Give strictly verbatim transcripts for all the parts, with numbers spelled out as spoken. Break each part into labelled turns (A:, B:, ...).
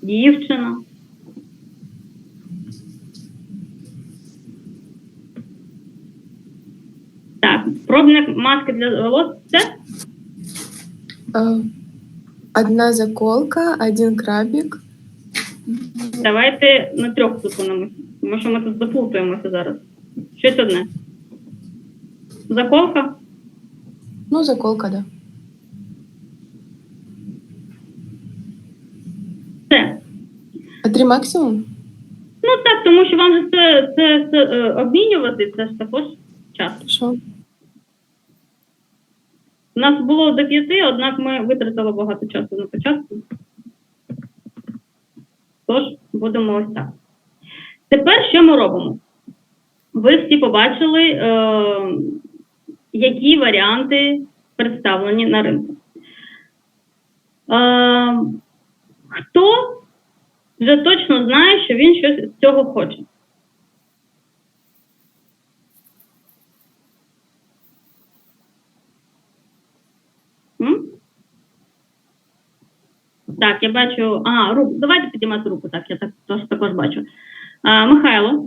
A: Дівчина. Так, пробник маски для волос – це?
B: Э, Одна заколка, один крабик.
A: Давайте на трьох зупинимося, тому що ми тут заплутаємося зараз. Щось одне. Заколка?
B: Ну, заколка, да.
A: Це.
B: А три максимум?
A: Ну так, тому що вам же це, це, це е, обмінювати, це ж також час.
B: Хорошо.
A: У нас було до п'яти, однак ми витратили багато часу на початку. Тож, будемо ось так. Тепер що ми робимо? Ви всі побачили, е, які варіанти представлені на ринку. Е, хто вже точно знає, що він щось з цього хоче? М? Так, я бачу. А, руку. Давайте підіймати руку. Так, я так, тож, також бачу. А, Михайло.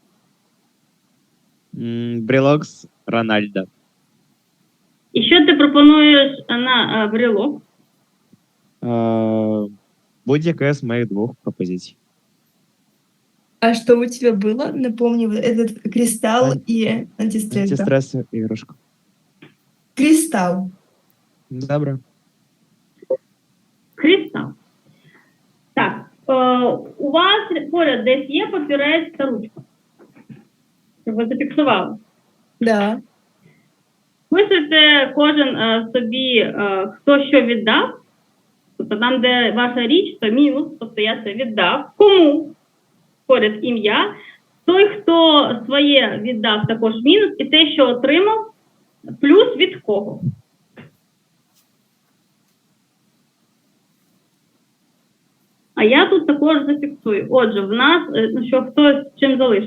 C: Брелокс Рональда.
A: І що ти пропонуєш на а, брелок?
C: Е, Будь-яка з моїх двох пропозицій.
D: А что у тебя было? Напомню, вот этот кристалл
C: Ан-
D: и антистресс. да?
C: Антистрес іграшка.
D: Кристалл.
C: Добре.
A: Кристал. Так, е, у вас поряд десь є папірець та ручка? Щоб ви зафіксували.
D: Да.
A: Писуйте кожен е, собі, е, хто що віддав. Тобто там, де ваша річ, то мінус, тобто я це віддав. Кому? Поряд ім'я. Той, хто своє віддав, також мінус. І те, що отримав, плюс від кого. А я тут також зафіксую. Отже, в нас, е, ну, що хтось чим залишив.